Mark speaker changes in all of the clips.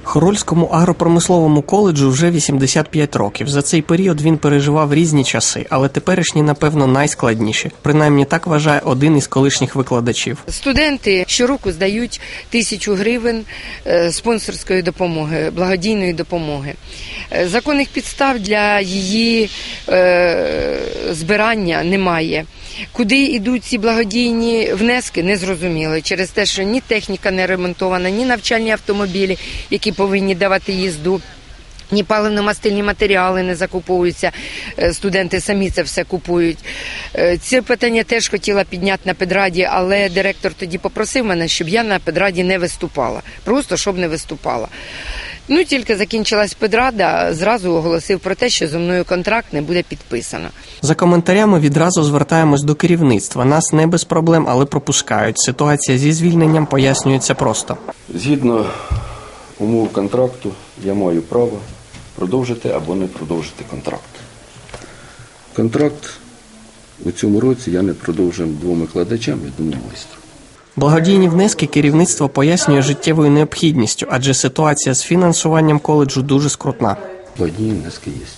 Speaker 1: Хорольському агропромисловому коледжу вже 85 років. За цей період він переживав різні часи, але теперішні, напевно, найскладніші. Принаймні так вважає один із колишніх викладачів.
Speaker 2: Студенти щороку здають 1000 гривень спонсорської допомоги, благодійної допомоги. Законних підстав для її збирання немає. Куди йдуть ці благодійні внески, не зрозуміло. Через те, що ні техніка не ремонтована, ні навчальні автомобілі, які повинні давати їзду, ні паливно-мастильні матеріали не закуповуються, студенти самі це все купують. Це питання теж хотіла підняти на педраді, але директор тоді попросив мене, щоб я на педраді не виступала. Просто, щоб не виступала. Тільки закінчилась педрада, зразу оголосив про те, що зі мною контракт не буде підписано.
Speaker 1: За коментарями відразу звертаємось до керівництва. Нас не без проблем, але пропускають. Ситуація зі звільненням пояснюється просто.
Speaker 3: Згідно умов контракту, я маю право продовжити або не продовжити контракт. Контракт у цьому році я не продовжив 2 викладачам і 1 майстру.
Speaker 1: Благодійні внески керівництво пояснює життєвою необхідністю, адже ситуація з фінансуванням коледжу дуже скрутна.
Speaker 3: Благодійні внески є.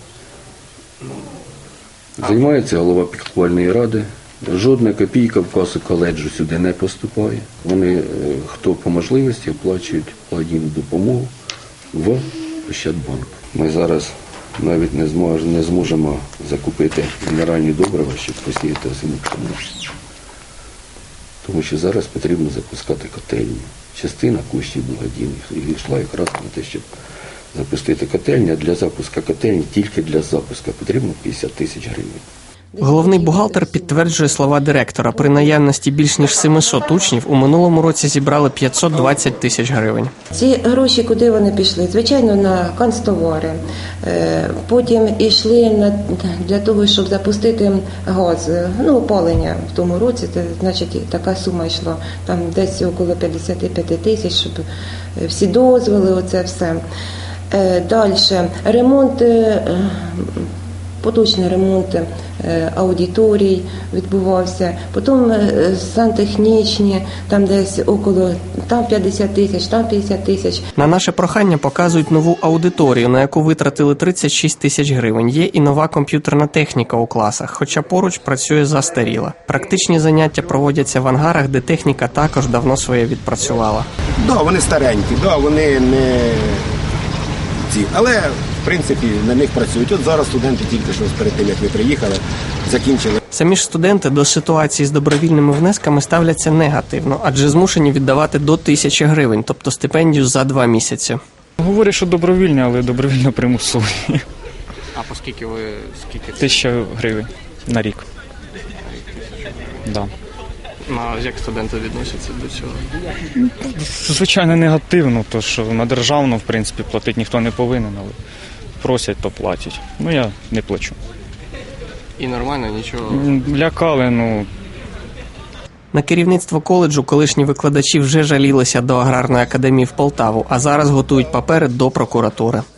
Speaker 3: Займається голова піклувальної ради. Жодна копійка в касу коледжу сюди не поступає. Вони, хто по можливості, оплачують благодійну допомогу в Ощадбанк. Ми зараз навіть не зможемо закупити мінеральні добрива, щоб посіяти озиму пшеницю. Тому що зараз потрібно запускати котельні. Частина коштів благодійних йшла якраз на те, щоб запустити котельні, а для запуску котельні, тільки для запуску потрібно 50 000 гривень.
Speaker 1: Головний бухгалтер підтверджує слова директора. При наявності більш ніж 700 учнів у минулому році зібрали 520 000 гривень.
Speaker 4: Ці гроші куди вони пішли? Звичайно, на канцтовари. Потім йшли для того, щоб запустити газ, опалення в тому році. Це, значить, така сума йшла. Там десь около 55 000, щоб всі дозволи, оце все. Далі ремонт. Поточний ремонт аудиторій відбувався, потім сантехнічні, там десь около, там 50 000, там 50 000.
Speaker 1: На наше прохання показують нову аудиторію, на яку витратили 36 000 гривень. Є і нова комп'ютерна техніка у класах, хоча поруч працює застаріла. Практичні заняття проводяться в ангарах, де техніка також давно своє відпрацювала.
Speaker 5: Вони старенькі, вони не ці, але в принципі, на них працюють. От зараз студенти тільки що перед тим, як ми приїхали, закінчили.
Speaker 1: Самі ж студенти до ситуації з добровільними внесками ставляться негативно, адже змушені віддавати до 1000 гривень, тобто стипендію за 2 місяці.
Speaker 6: Говорять, що добровільні, але добровільно примусові.
Speaker 1: А по скільки ви?
Speaker 6: 1000 гривень на рік. Да.
Speaker 1: Як студенти відносяться до цього?
Speaker 6: Звичайно, негативно, тому що на державну, в принципі, платити ніхто не повинен, але просять, то платять. Я не плачу.
Speaker 1: І нормально, нічого?
Speaker 6: Лякали,
Speaker 1: На керівництво коледжу колишні викладачі вже жалілися до Аграрної академії в Полтаву, а зараз готують папери до прокуратури.